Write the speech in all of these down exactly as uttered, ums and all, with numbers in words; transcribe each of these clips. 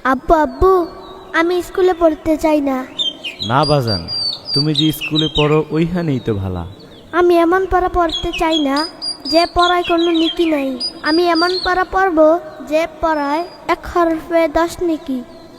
আব্বু আব্বু আমি স্কুলে পড়তে চাই না। না বাজান, তুমি যে স্কুলে পড়ো ওইখানেই তো ভালা। আমি এমন পড়া পড়তে চাই না যে পড়ায় কোনো নীতি নাই। আমি এমন পড়া পড়বো যে পড়ায় এক হরফে দশ নেকি।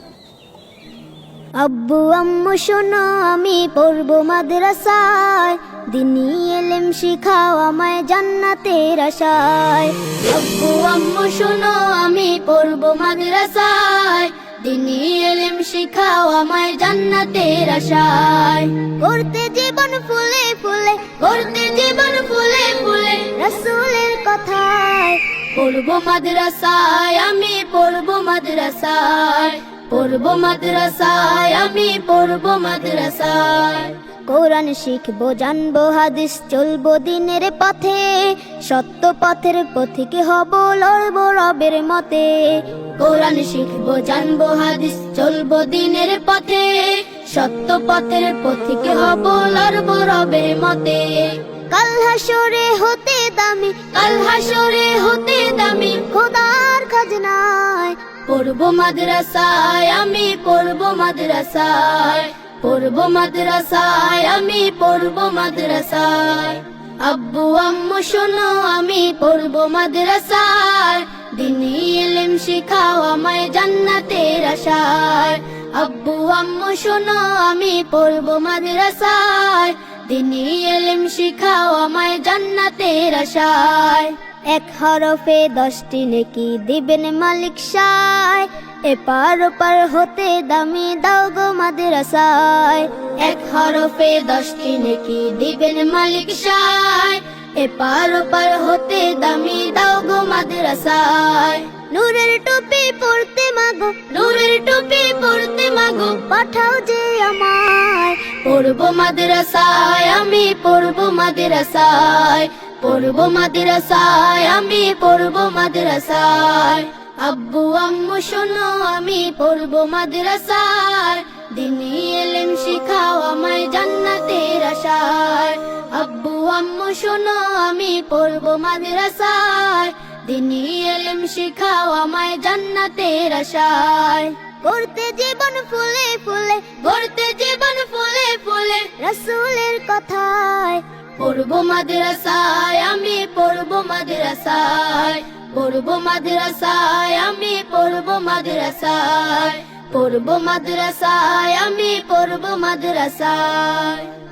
আব্বু আম্মু শোনো আমি পড়বো মাদ্রাসায়, দিনী এলেম শিখাও আমায় জান্নাতের আশায়। আব্বু আম্মু শোনো আমি পড়বো মাদ্রাসায়, দিনী এলেম শিখাও আমায় জান্নাতের আশায়। করতে জীবন ফুলে ফুলে, করতে জীবন ফুলে ফুলে রাসূলের কথায়। পড়বো মাদ্রাসায় আমি পড়বো মাদ্রাসায়, পড়বো মাদ্রাসায় আমি পড়বো মাদ্রাসায়। কোরআন শিখবো জানবো হাদিস চলবো দিনের পথে, সত্য পথের পথিকে হব লড়বো রবের মতে। কোরআন শিখবো জানবো হাদিস চলবো দিনের পথে, সত্য পথের পথিকে হব লড়বো রবের মতে। কাল হাসরে হতে দামি, কাল হাসরে হতে দামি খোদার খাজনায়। পড়বো মাদ্রাসায় আমি পড়বো মাদ্রাসায়, পড়বো মাদ্রাসায় আমি পড়বো মাদ্রাসায়। আব্বু আম্মু শোনো আমি পড়বো মাদ্রাসায়, দিনী ইলম শিখাও আমায় জান্নাতের আশায়। আব্বু আম্মু শোনো আমি পড়বো মাদ্রাসায়, দিনী ইলম শিখাও আমায় জান্নাতের আশায়। এক হরফে দশটি নেকি দিবেন মালিক সায়, এপার ওপার হতে দামি দাও গো মাদ্রাসায়। এক হরফে দশটি নেকি দিবেন মালিক সায়, এপার ওপার হতে দামি দাও গো মাদ্রাসায়। নূরের টুপি পড়তে মাগো, নূরের টুপি পড়তে মাগো পাঠাও যে আমায়। পড়বো মাদ্রাসায় আমি পড়বো মাদ্রাসায়, পড়বো মাদ্রাসায় আমি পড়বো মাদ্রাসায়। আব্বু আম্মু শোনো আমি পড়বো মাদ্রাসায়, দিনী ইলম শিখাও আমায় জান্নাতের আশায়। আব্বু আম্মু শোনো আমি পড়বো মাদ্রাসায়, দিনী ইলম শিখাও আমায় জান্নাতের আশায়। করতে জীবন ফুলে ফুলে, গড়তে জীবন ফুলে ফুলে রাসূলের কথায়। পড়বো মাদ্রাসায় আমি পড়বো মাদ্রাসায়, পড়বো মাদ্রাসায় আমি পড়বো মাদ্রাসায়, পড়বো মাদ্রাসায় আমি পড়বো মাদ্রাসায়।